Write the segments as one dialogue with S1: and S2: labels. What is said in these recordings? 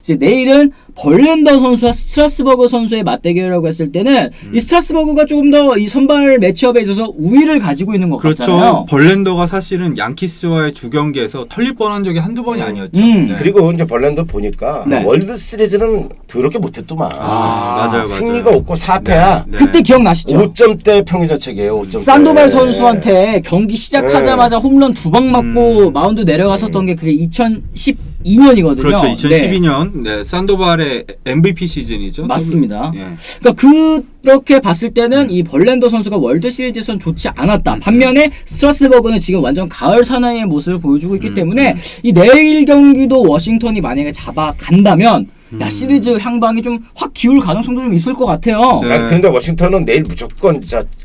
S1: 이제 내일은 벌렌더 선수와 스트라스버그 선수의 맞대결이라고 했을 때는 이 스트라스버그가 조금 더 이 선발 매치업에 있어서 우위를 가지고 있는 것
S2: 그렇죠.
S1: 같잖아요.
S2: 벌렌더가 사실은 양키스와의 두 경기에서 털릴 뻔한 적이 한두 번이 아니었죠. 네.
S3: 그리고 이제 벌렌더 보니까
S1: 네.
S3: 월드 시리즈는 더럽게 못했더만.
S2: 맞아요.
S3: 승리가 없고 4패야.
S2: 네.
S1: 그때 기억나시죠?
S3: 5점대 평균자책이에요. 5점대.
S1: 산도발 선수한테 경기 시작하자마자 홈런 2방 맞고 마운드 내려갔었던 게 그게 2012년이거든요.
S2: 그렇죠. 2012년 네, 산도발의 MVP 시즌이죠.
S1: 맞습니다.
S2: 예.
S1: 그러니까 그렇게 봤을 때는 이 벌렌더 선수가 월드 시리즈에선 좋지 않았다. 반면에 스트라스버그는 지금 완전 가을 사나이의 모습을 보여주고 있기 때문에 이 내일 경기도 워싱턴이 만약에 잡아간다면 야 시리즈 향방이 좀 확 기울 가능성도 좀 있을 것 같아요.
S2: 네.
S3: 그런데 워싱턴은 내일 무조건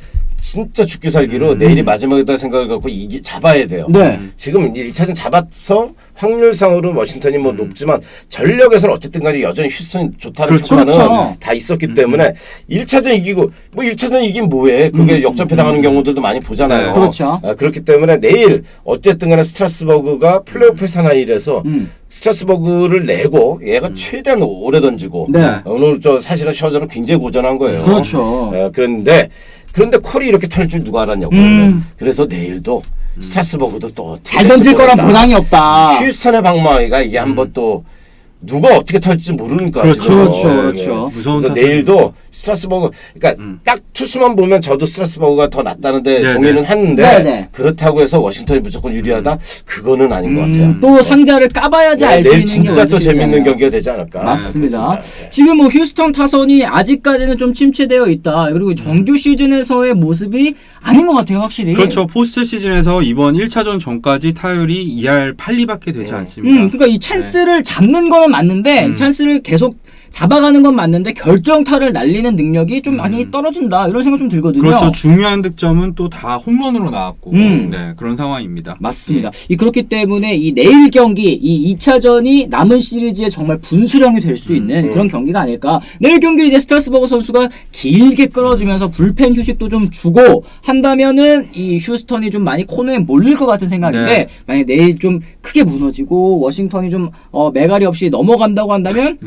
S3: 진짜 죽기 살기로 내일이 마지막이다 생각을 갖고 잡아야 돼요.
S1: 네.
S3: 지금 1차전 잡아서 확률상으로는 워싱턴이 뭐 높지만 전력에서는 어쨌든 간에 여전히 휴스턴이 좋다는
S2: 그렇죠.
S3: 평가는
S1: 그렇죠.
S3: 다 있었기 때문에 1차전 이기고 뭐 1차전 이긴 뭐해. 그게 역전패 당하는 경우들도 많이 보잖아요.
S2: 네.
S1: 그렇죠.
S3: 그렇기 때문에 내일 어쨌든 간에 스트라스버그가 플레이오프 사나이라서 스트라스버그를 내고 얘가 최대한 오래 던지고
S1: 네.
S3: 오늘 사실은 셔저는 굉장히 고전한 거예요.
S1: 그렇죠.
S3: 그런데 콜이 이렇게 털 줄 누가 알았냐고. 그래서 내일도 스트라스버그도 또
S1: 잘 던질 거란 보장이 없다.
S3: 휴스턴의 방망이가 이게 한번 또 누가 어떻게 털지 모르니까.
S2: 그렇죠.
S3: 지금.
S1: 그렇죠.
S3: 예,
S1: 그렇죠.
S3: 예.
S2: 무서운
S3: 그래서
S2: 타선이-
S3: 내일도 스트라스버그 그러니까 딱 투수만 보면 저도 스트라스버그가 더 낫다는데
S2: 네,
S3: 동의는
S2: 네.
S3: 하는데
S1: 네, 네.
S3: 그렇다고 해서 워싱턴이 무조건 유리하다? 그거는 아닌 것 같아요.
S1: 또 상자를 까봐야지 알 수
S3: 내일
S1: 있는 게
S3: 진짜 또 재밌는
S1: 월드시리즈잖아요.
S3: 경기가 되지 않을까.
S1: 맞습니다.
S3: 그렇습니다.
S1: 지금 뭐 휴스턴 타선이 아직까지는 좀 침체되어 있다. 그리고 정규 시즌에서의 모습이 아닌 것 같아요, 확실히.
S2: 그렇죠. 포스트 시즌에서 이번 1차전 전까지 타율이 2할 8리밖에 되지 않습니다.
S1: 그러니까 이 찬스를 잡는 거는 맞는데 찬스를 계속 잡아가는 건 맞는데 결정타를 날리는 능력이 좀 많이 떨어진다. 이런 생각 좀 들거든요.
S2: 그렇죠. 중요한 득점은 또 다 홈런으로 나왔고 네, 그런 상황입니다.
S1: 맞습니다. 그렇기 때문에 이 내일 경기, 이 2차전이 남은 시리즈에 정말 분수령이 될 수 있는 그런 경기가 아닐까. 내일 경기 이제 스트라스버그 선수가 길게 끌어주면서 불펜 휴식도 좀 주고 한다면은 이 휴스턴이 좀 많이 코너에 몰릴 것 같은 생각인데
S2: 네.
S1: 만약 내일 좀 크게 무너지고 워싱턴이 좀 메가리 없이 넘어간다고 한다면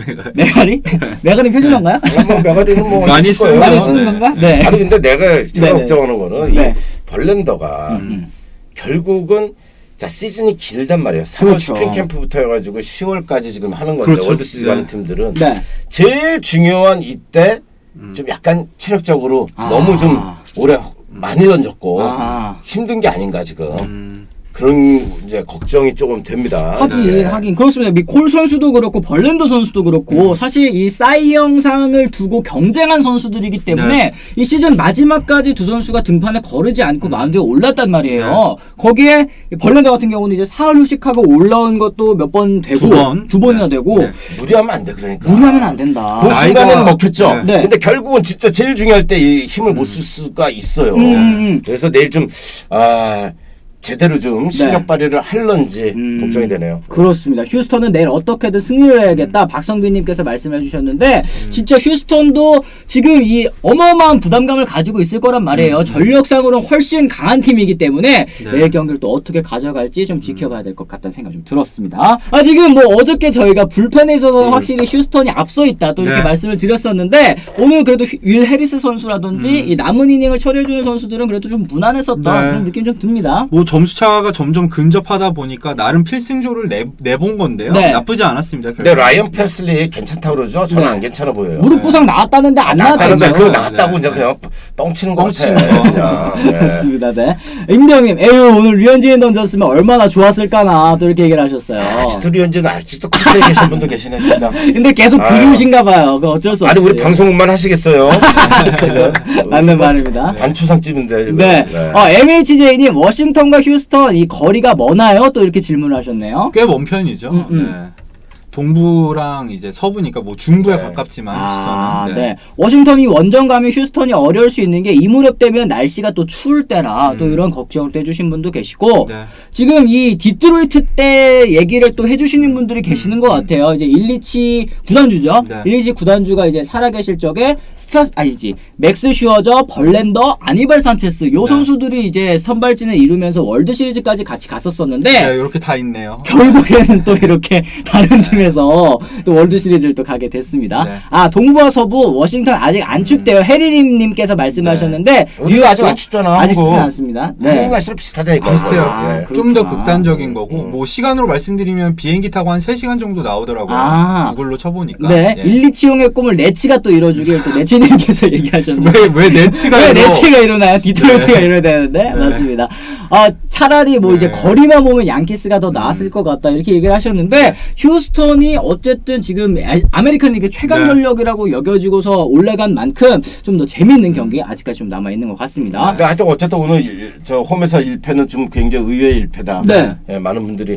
S1: 메가리 표준어인가요?
S3: 뭐 메가리는 뭐
S2: 많이
S3: 있을 거예요.
S2: 쓰는
S1: 많이
S2: 네.
S1: 쓰는 건가? 네.
S3: 아니 근데 제가
S1: 네네.
S3: 걱정하는 거는
S1: 네.
S3: 이 벌렌더가 결국은 자 시즌이 길단 말이에요. 4월
S1: 그렇죠.
S3: 스프링 캠프부터 해가지고 10월까지 지금 하는 건데
S2: 그렇죠.
S3: 월드 시리즈
S2: 네.
S3: 가는 팀들은
S1: 네.
S3: 제일 중요한 이때 좀 약간 체력적으로 너무 좀 오래 많이 던졌고 힘든 게 아닌가 지금. 그런 이제 걱정이 조금 됩니다.
S1: 하긴 그렇습니다. 콜 선수도 그렇고 벌렌더 선수도 그렇고 사실 이 싸이 영상을 두고 경쟁한 선수들이기 때문에 이 시즌 마지막까지 두 선수가 등판에 거르지 않고 마운드에 올랐단 말이에요. 거기에 벌렌더 같은 경우는 이제 사흘 휴식하고 올라온 것도 몇 번 되고 두 번이나 되고
S3: 무리하면 안 돼 그러니까.
S1: 무리하면 안 된다.
S3: 그 순간에는 먹혔죠.
S1: 네.
S3: 근데 결국은 진짜 제일 중요할 때 이 힘을 못 쓸 수가 있어요. 그래서 내일 좀 제대로 좀 실력 발휘를 할런지 걱정이 되네요.
S1: 그렇습니다. 휴스턴은 내일 어떻게든 승리를 해야겠다. 박성빈님께서 말씀해 주셨는데 진짜 휴스턴도 지금 이 어마어마한 부담감을 가지고 있을 거란 말이에요. 전력상으로는 훨씬 강한 팀이기 때문에 내일 경기를 또 어떻게 가져갈지 좀 지켜봐야 될 것 같다는 생각이 좀 들었습니다. 지금 뭐 어저께 저희가 불펜에 있어서 확실히 휴스턴이 앞서 있다 또 이렇게 말씀을 드렸었는데 오늘 그래도 윌 해리스 선수라든지 이 남은 이닝을 처리해주는 선수들은 그래도 좀 무난했었다 그런 느낌이 좀 듭니다.
S2: 뭐 점수차가 점점 근접하다 보니까 나름 필승조를 내본 건데요.
S1: 네.
S2: 나쁘지 않았습니다.
S3: 근데 라이언 패슬리 괜찮다고 그러죠? 저는 안 괜찮아 보여요.
S1: 무릎 부상 나왔다는데 안
S3: 나왔다는데
S1: 나왔다면서요.
S3: 그거 나왔다고 이제 그냥 뻥치는 거
S2: 뻥치는
S3: 같아. 그냥.
S1: 그렇습니다. 네. 임대영님, 에휴 오늘 류현진이 던졌으면 얼마나 좋았을까나 또 이렇게 얘기를 하셨어요.
S3: 아직도 류현진 아직도 코스에 계신 분도 계시네 진짜.
S1: 근데 계속 그리우신가 봐요. 그 어쩔 수 없이.
S3: 아니 우리 방송만 하시겠어요? 지금
S1: 맞는 말입니다.
S3: 반초상집인데 지금.
S1: 네. MHJ님 워싱턴과 휴스턴 이 거리가 머나요? 또 이렇게 질문을 하셨네요.
S2: 꽤 먼 편이죠. 네. 동부랑 이제 서부니까 뭐 중부에 가깝지만 휴스턴은.
S1: 네. 워싱턴이 원정 가면 휴스턴이 어려울 수 있는 게 이 무렵 되면 날씨가 또 추울 때라 또 이런 걱정을 또 해주신 분도 계시고 지금 이 디트로이트 때 얘기를 또 해주시는 분들이 계시는 것 같아요. 이제 127 구단주죠. 127 구단주가 이제 살아계실 적에 맥스 슈어저, 벌렌더, 아니발 산체스 요 선수들이 이제 선발진을 이루면서 월드 시리즈까지 같이 갔었었는데
S2: 이렇게 다 있네요.
S1: 결국에는 또 이렇게 다른 팀에 팀에서 또 월드 시리즈를 또 가게 됐습니다.
S2: 네.
S1: 아 동부와 서부 워싱턴 아직 안 춥대요. 해리님께서 말씀하셨는데
S3: 우리가 아직 안 춥잖아.
S1: 아직 춥진
S3: 한국.
S1: 않습니다.
S3: 한국
S1: 네.
S3: 날씨랑 비슷하다니까.
S2: 비슷해요.
S1: 아,
S3: 예.
S2: 좀 더
S1: 그렇구나.
S2: 극단적인 거고 뭐 시간으로 말씀드리면 비행기 타고 한 3시간 정도 나오더라고요.
S1: 아.
S2: 구글로 쳐보니까.
S1: 네,
S2: 예.
S1: 일리치용의 꿈을 레치가 또 이뤄주길 또 레치님께서 얘기하셨는데
S2: 왜 네치가
S1: 왜
S2: 이러-
S1: 레치가 일어나요? 디트로이트가
S2: 네.
S1: 일어나야 되는데
S2: 네.
S1: 맞습니다. 아 차라리 뭐 이제
S2: 네.
S1: 거리만 보면 양키스가 더 나았을 것 같다 이렇게 얘기를 하셨는데 휴스턴이 어쨌든 지금 아메리칸 리그 최강
S2: 네.
S1: 전력이라고 여겨지고서 올라간 만큼 좀 더 재밌는 경기 아직까지 좀 남아 있는 것 같습니다.
S3: 근데 하여튼 어쨌든 오늘 저 홈에서 1패는 좀 굉장히 의외의 1패다.
S1: 네.
S3: 예, 많은 분들이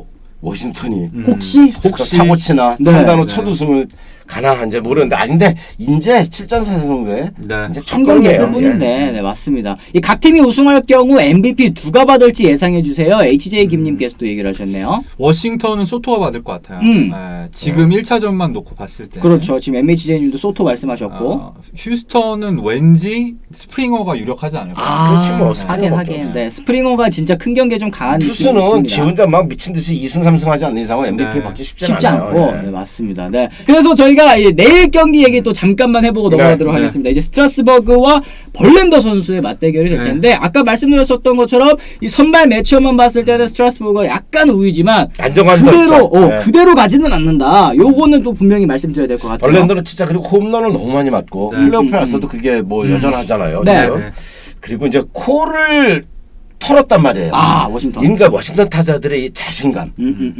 S3: 워싱턴이
S1: 혹시
S3: 사고 치나
S1: 네.
S3: 창단호
S2: 네.
S3: 첫 우승을 가나 이제 모르는데 아닌데 이제 7전 4승대
S2: 네.
S3: 이제 첫
S1: 한 경기 했을
S3: 경기예요.
S1: 뿐인데 네 맞습니다. 이 각 팀이 우승할 경우 MVP 누가 받을지 예상해 주세요. HJ 김님께서 또 얘기를 하셨네요.
S2: 워싱턴은 소토가 받을 것 같아요. 지금 1차전만 놓고 봤을 때.
S1: 그렇죠. 지금 MHJ님도 소토 말씀하셨고.
S2: 휴스턴은 왠지 스프링어가 유력하지 않을까.
S3: 그렇지 뭐,
S1: 하긴 하긴. 네, 스프링어가 진짜 큰 경기에 좀 강한
S3: 투수는
S1: 느낌이
S3: 지
S1: 듭니다.
S3: 혼자 막 미친 듯이 2승 3승 하지 않는 이상은 MVP
S2: 네.
S3: 받기 쉽지
S1: 쉽지
S3: 않아요.
S1: 않고
S3: 예.
S1: 네, 맞습니다. 네. 그래서 저희가 이 내일 경기 얘기 또 잠깐만 해보고
S3: 네.
S1: 넘어가도록
S2: 네.
S1: 하겠습니다. 이제 스트라스버그와 벌렌더 선수의 맞대결이 될
S2: 네.
S1: 텐데 아까 말씀드렸었던 것처럼 이 선발 매치업만 봤을 때는 스트라스버그가 약간 우위지만
S3: 안정감도
S1: 그대로
S3: 없죠. 네.
S1: 그대로 가지는 않는다. 요거는 또 분명히 말씀드려야 될 것 같아요.
S3: 벌렌더는 진짜 그리고 홈런을 너무 많이 맞고
S2: 네.
S3: 플레이오프에 와서도 그게 뭐 여전하잖아요.
S1: 네.
S3: 지금.
S2: 네.
S3: 그리고 이제 코를 털었단 말이에요.
S1: 아 워싱턴.
S3: 그러니까 워싱턴 타자들의 이 자신감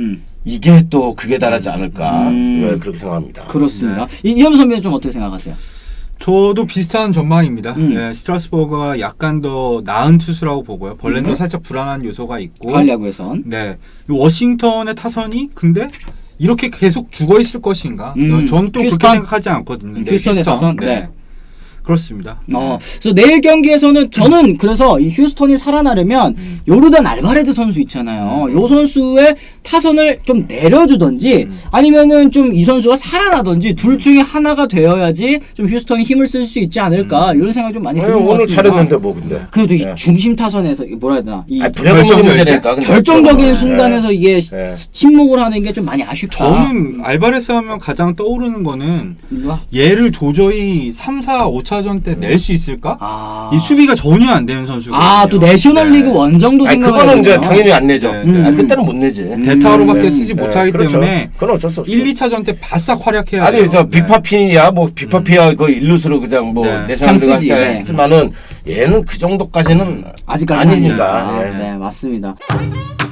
S3: 이게 또 극에 달하지 않을까 네, 그렇게 생각합니다.
S1: 그렇습니다. 이현우 선배는 좀 어떻게 생각하세요?
S2: 저도 비슷한 전망입니다.
S1: 음.
S2: 예, 스트라스버그가 약간 더 나은 투수라고 보고요. 벌렌도 살짝 불안한 요소가 있고.
S1: 가을 야구에선.
S2: 네. 이 워싱턴의 타선이 근데 이렇게 계속 죽어 있을 것인가? 저는 또 그렇게
S1: 휴스턴?
S2: 생각하지 않거든요. 네,
S1: 휴스턴의
S2: 휴스턴.
S1: 타선? 네.
S2: 그렇습니다.
S1: 그래서 내일 경기에서는 저는 그래서 이 휴스턴이 살아나려면 요르단 알바레즈 선수 있잖아요. 요 선수의 타선을 좀 내려주던지 아니면은 좀 이 선수가 살아나던지 둘 중에 하나가 되어야지 좀 휴스턴이 힘을 쓸 수 있지 않을까 이런 생각이 좀 많이 드는 것
S3: 오늘
S1: 같습니다.
S3: 잘했는데 뭐 근데
S1: 그래도 이
S3: 네.
S1: 중심 타선에서 뭐라 해야 되나 이
S3: 불행한
S2: 결정적일
S3: 문제니까 근데
S1: 결정적인
S3: 네.
S1: 순간에서 이게
S3: 네.
S1: 침묵을 하는 게 좀 많이 아쉽다.
S2: 저는 알바레스 하면 가장 떠오르는 거는
S1: 이거?
S2: 얘를 도저히 3, 4, 5차전 때 낼 수 있을까?
S1: 아.
S2: 이 수비가 전혀 안 되는 선수가.
S1: 또 내셔널리그 원정도
S3: 아니
S1: 생각을
S3: 그거는 이제
S1: 해보면.
S3: 당연히 안 내죠.
S2: 네.
S3: 아니, 그때는 못 내지.
S2: 대타로밖에
S3: 네.
S2: 쓰지
S3: 네,
S2: 못하기
S3: 그렇죠.
S2: 때문에
S3: 그건 어쩔 수 없어.
S2: 1, 2차전 때 바싹 활약해야 돼요.
S3: 아니 저
S2: 네.
S3: 비파피야 뭐 비파피야 그 일루스로 그냥 뭐
S2: 네.
S3: 내셔널리그
S1: 그냥 쓰지,
S3: 할때
S1: 네.
S3: 했지만은 얘는 그 정도까지는
S1: 아직까지
S3: 아니니까. 예.
S1: 네, 맞습니다.